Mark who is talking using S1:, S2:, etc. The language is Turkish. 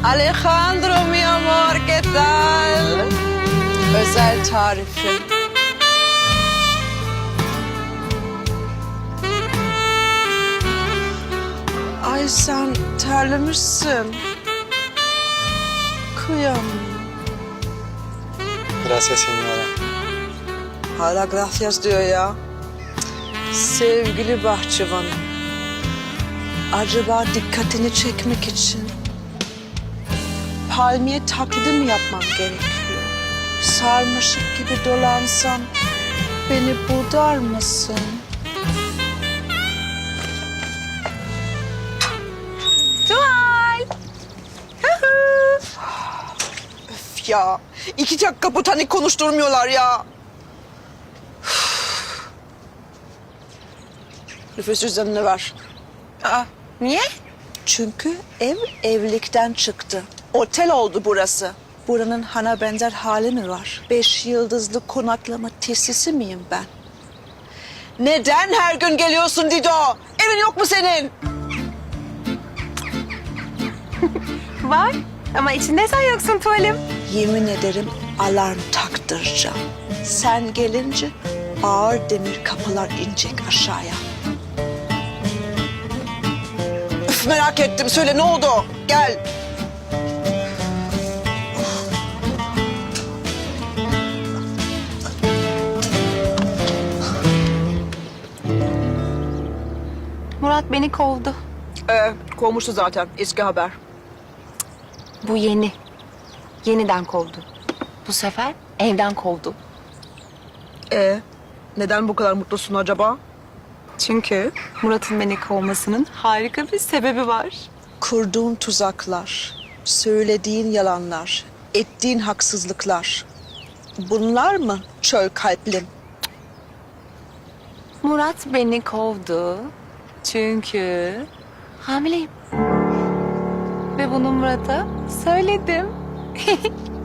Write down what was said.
S1: Alejandro mi amor, ¿qué tal? Özel tarifi. Ay sen terlemişsin. Kıyamam.
S2: Gracias señora.
S1: Hala gracias diyor ya. Sevgili bahçıvanım. Acaba dikkatini çekmek için palmiye taklidi mi yapmam gerekiyor? Sarmaşık gibi dolansam beni budar mısın?
S3: Tuval.
S1: Öf ya. 2 dakika botanik konuşturmuyorlar ya. Nüfus cüzdanını ver.
S3: Aa, niye?
S1: Çünkü ev evlilikten çıktı. Otel oldu burası. Buranın hana benzer hali mi var? 5 yıldızlı konaklama tesisi miyim ben? Neden her gün geliyorsun Dido? Evin yok mu senin?
S3: Var ama içinde sen yoksun tuvalim.
S1: Yemin ederim alarm taktıracağım. Sen gelince ağır demir kapılar inecek aşağıya. Üf, merak ettim. Söyle ne oldu? Gel.
S3: Murat beni kovdu.
S1: Kovmuştu zaten. Eski haber.
S3: Bu yeni. Yeniden kovdu. Bu sefer evden kovdu.
S1: Neden bu kadar mutlusun acaba?
S3: Çünkü Murat'ın beni kovmasının harika bir sebebi var.
S1: Kurduğun tuzaklar, söylediğin yalanlar, ettiğin haksızlıklar. Bunlar mı çöl kalplim?
S3: Murat beni kovdu. Çünkü hamileyim. Ve bunu Murat'a söyledim.